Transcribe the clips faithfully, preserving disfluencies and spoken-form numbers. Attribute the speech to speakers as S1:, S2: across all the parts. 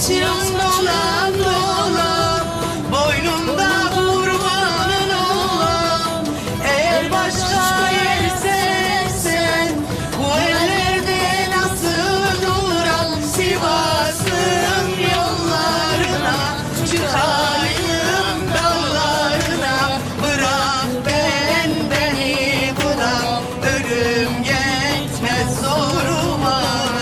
S1: saçın dolan dolan, boynunda kurbanın olan. Eğer başka yer sevsen, bu ellerde nasıl duran? Sivas'ın yollarına, çıkayım dağlarına. Bırak ben beni buna, ölüm yetmez zoruma.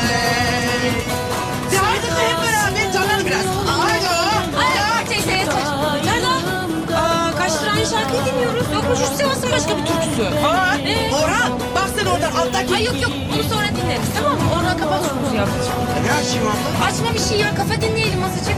S1: Hadi hep beraber canlanın biraz. Haydi o.
S2: Ay teyze yeter. Nerede? Aa, kaç lira aynı şarkıyı dinliyoruz. Yok mu şu Sivas'ın başka bir türküsü?
S1: Aa,
S2: Ee?
S1: Orhan bak sen oradan alttaki.
S2: Ay yok yok onu sonra dinleriz tamam mı? Oradan kapat şu müziği ablacığım.
S1: Ne açayım abla?
S2: Açma bir şey ya kafa dinleyelim azıcık.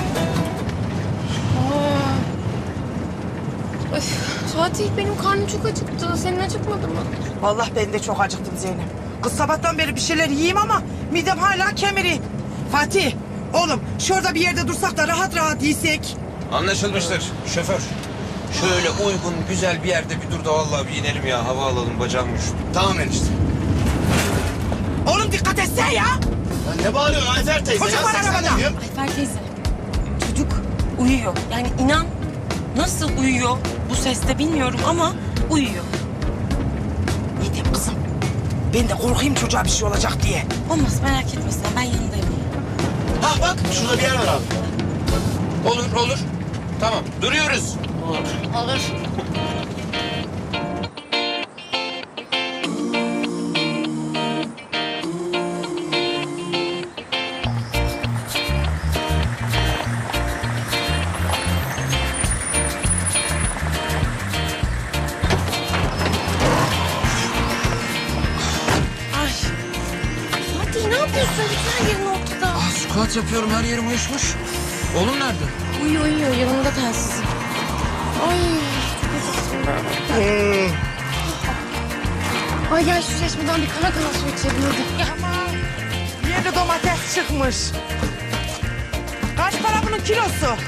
S2: Aa. Öf, Fatih benim karnım çok acıktı. Senin acıkmadı mı?
S1: Vallahi ben de çok acıktım Zeynep. Kız sabahtan beri bir şeyler yiyeyim ama midem hala kemiri. Fatih, oğlum şurada bir yerde dursak da rahat rahat yesek.
S3: Anlaşılmıştır şoför. Şöyle uygun güzel bir yerde bir dur da vallahi bir inelim ya. Hava alalım bacağım üşüdü.
S4: Tamam enişte.
S1: Oğlum dikkat etsene ya.
S4: Ya ne bağırıyorsun Ayfer teyze?
S1: Çocuk var
S4: seksen
S1: arabada.
S4: diyorum.
S2: Ayfer teyze çocuk uyuyor. Yani inan nasıl uyuyor bu seste bilmiyorum ama uyuyor.
S1: Ne diyeyim kızım? Ben de korkayım çocuğa bir şey olacak diye.
S2: Olmaz merak etme sen ben yanındayım.
S4: Ha bak şurada bir yer var abi.
S3: Olur olur. Tamam duruyoruz.
S2: Olur. Ay. Fatih ne yapıyorsun? Bütün her yerin ortada.
S3: Ah, squat yapıyorum her yerim uyuşmuş. Oğlum nerede?
S2: Uyuyor uyuyor yanında telsizi. Ay çok acıktım ben. Ay gel şu çeşmeden bir kana kana su içelim hadi. Ya.
S1: Aman, yeni domates çıkmış. Kaç para bunun kilosu?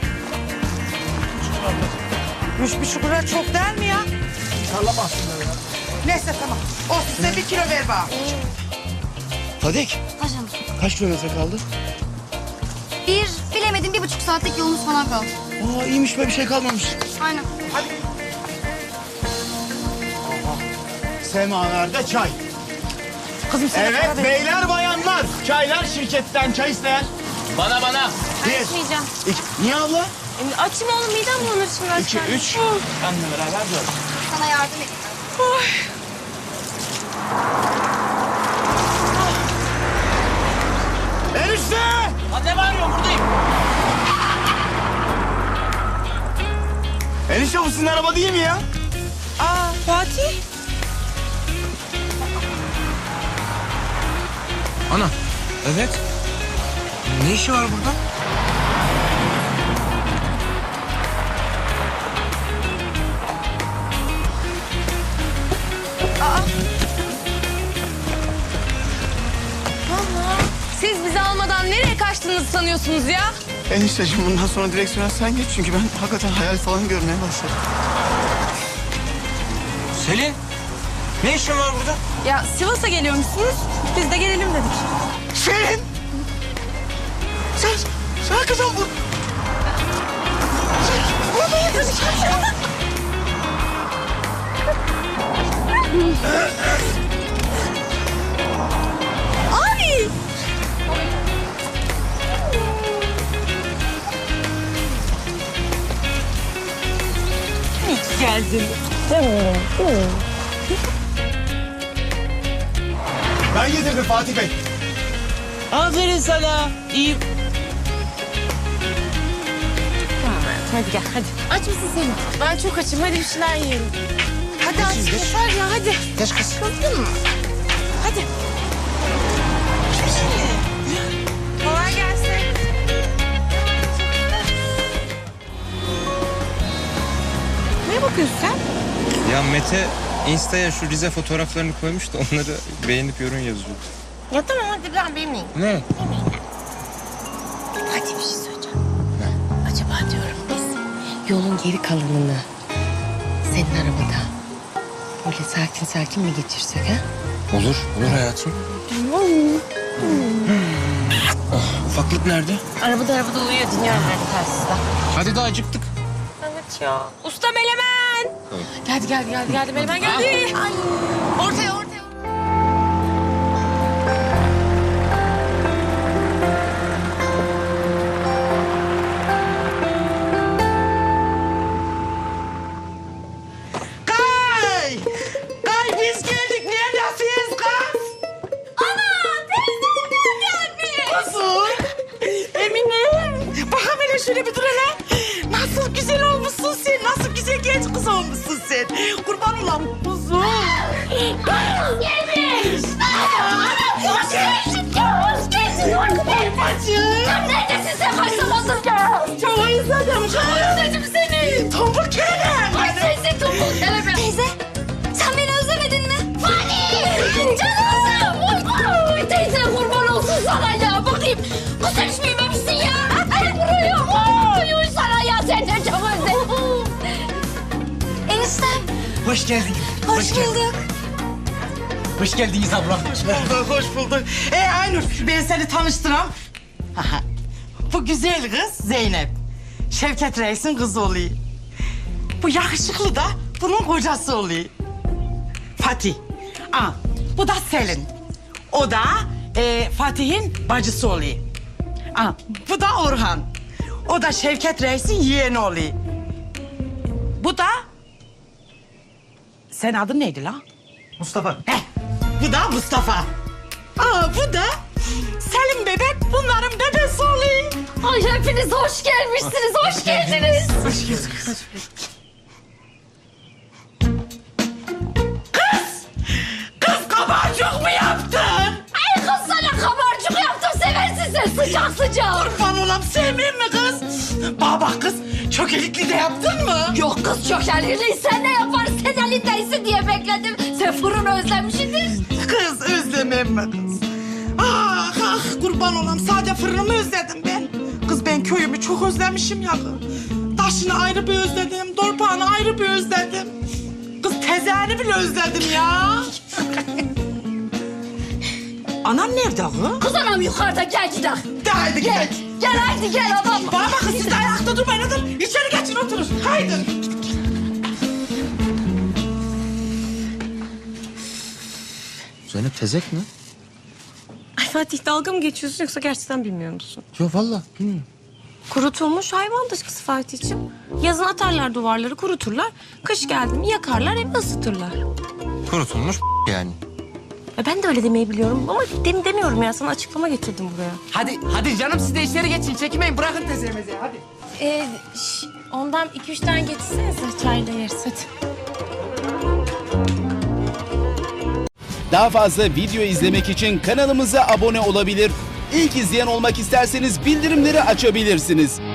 S1: Üç buçuk lira çok değil mi ya?
S4: Sallamazsınlar ya.
S1: Neyse tamam. Olsun sen bir kilo ver bana.
S4: Fadik
S5: Hocam
S4: kaç kilometre kaldı?
S5: bir bilemedim bir buçuk saatlik yolumuz falan kaldı.
S4: Aa iyiymiş be bir şey kalmamış.
S5: Aynen.
S4: Semaver'de çay.
S1: Kızım sen para
S4: Evet
S1: ver.
S4: beyler bayanlar. Çaylar şirketten çay isteyen. Bana bana.
S2: Ben
S4: Bir.
S2: içmeyeceğim.
S4: İki. Niye abla?
S2: E, Açım oğlum midem bulanır şimdi
S4: İki,
S2: açken.
S4: üç.
S2: Oh.
S4: Benle beraber dört.
S5: Sana yardım edeyim.
S4: Enişte!
S3: Hadi ne bağırıyorsun buradayım.
S4: Enişte bu sizin araba değil mi ya?
S1: Aa Fatih.
S3: Ana. Evet. Ne işi var burada?
S2: Allah. Siz bizi almadan nereye kaçtığınızı sanıyorsunuz ya?
S4: Enişteciğim bundan sonra direksiyona sen geç çünkü ben hakikaten hayal falan görmeye başladım.
S3: Selin. Ne işin var burada?
S2: Ya Sivas'a geliyormuşsunuz. Biz de gelelim dedik.
S4: Selin! Sen, sen kızım bu.
S2: Abi! İyi ki geldin.
S4: Ben getirdim Fatih Bey.
S1: Aferin sana. İyi.
S2: Hadi gel hadi. Aç mısın sen? Ben çok açım. Hadi bir şeyler yiyelim. Hadi aç yeter ya hadi.
S3: Geç kız.
S2: Kalktın mı? Hadi. Kolay gelsin. Ne bakıyorsun sen?
S3: Ya Mete Insta'ya şu Rize fotoğraflarını koymuş da onları beğenip yorum yazıyor.
S2: Ya tamam hadi ben benimleyim.
S3: Ne?
S2: Hadi bir şey söyleyeceğim. Acaba diyorum biz yolun geri kalanını senin arabada böyle sakin sakin mi geçirsek ha?
S3: Olur, olur hayatım.
S2: Tamam.
S3: Ah, ufak Ufaklık nerede?
S2: Arabada arabada uyuyor. Dinliyorum ben de telsizden.
S3: Hadi daha acıktık.
S2: Evet ya. Usta Melemen. Geldi geldi geldi geldi Melemen geldi. Ay. Ortaya ortaya.
S1: Kay! Kay biz geldik. Neredesiniz kız?
S5: Ana teyzem gelmiş.
S1: Kuzum. Emine. Bak hele şöyle bir dur hele. Nasıl güzel olmuşsun sen. Nasıl güzel genç kız olmuşsun sen. Kurban olam kuzum.
S5: Gelmiş. Ana hoş geldin. Hoş geldin. Hoş geldin.
S1: Bacım.
S5: Neredesin sen kaç zamandır gel.
S1: Çok özledim. Çok
S5: Özledim seni.
S1: Tombul kerem.
S5: Ay teyze tombul kelebe. Teyze sen beni özlemedin mi? Fani. Canım. Oy, oy, teyze kurban olsun sana ya. Bakayım. Bu sen hiç büyümemişsin ya. Ay vuruyor. Oy oy sana ya. Sen de çok özledim. Eniştem.
S1: Hoş geldin.
S5: Hoş bulduk.
S6: Hoş geldiniz abla.
S1: Hoş bulduk, hoş bulduk. Ee Aynur, ben seni tanıştıram. Aha. Bu güzel kız Zeynep. Şevket Reis'in kızı oluyor. Bu yakışıklı da bunun kocası oluyor. Fatih. Aa, bu da Selin. O da e, Fatih'in bacısı oluyor. Aa, bu da Orhan. O da Şevket Reis'in yeğeni oluyor. Bu da... Senin adın neydi lan?
S6: Mustafa.
S1: Heh, bu da Mustafa. Aa, bu da Selim bebek, bunların bebesi oluyor.
S5: Ay hepiniz hoş gelmişsiniz. Hoş geldiniz.
S6: Hoş geldiniz.
S1: Kız kabarcık mı yaptın?
S5: Ay kız sana kabarcık yaptım. Seversin sen sıcak sıcak.
S1: Kurban olam sevmeyeyim mi kız? Bana bak kız, çökelikli de yaptın mı?
S5: Yok kız çok elini sen ne yaparsın? Sen elindeysin diye bekledim. Sen fırını özlemişsindir.
S1: Kız özlemem mi kız? Ah ah kurban olam, sadece fırınımı özledim ben. Kız ben köyümü çok özlemişim ya kız. Taşını ayrı bir özledim, dorpağını ayrı bir özledim. Kız tezeni bile özledim ya. Anam nerede kız?
S5: Kız anam yukarıda gel gidelim.
S1: De haydi gel.
S5: Gel haydi gel adam.
S1: Bana bakın siz de ayakta durmayın hadi. İçeri geçin oturun. Haydi.
S3: Zeynep tezek mi?
S2: Ay Fatih dalga mı geçiyorsun yoksa gerçekten bilmiyor musun?
S3: Yok vallahi bilmiyorum.
S2: Kurutulmuş hayvan dışkısı Fatih'ciğim. Yazın atarlar duvarları kuruturlar. Kış geldi mi yakarlar evi ısıtırlar.
S3: Kurutulmuş yani.
S2: E ben de öyle demeyi biliyorum ama dem demiyorum ya. Sana açıklama getirdim buraya.
S6: Hadi hadi canım siz de içeri geçin. Çekinmeyin bırakın tezemizi hadi.
S2: Ee, şş, ondan iki üç tane getirsenize çayla yeriz hadi.
S7: Daha fazla video izlemek için kanalımıza abone olabilir. İlk izleyen olmak isterseniz bildirimleri açabilirsiniz.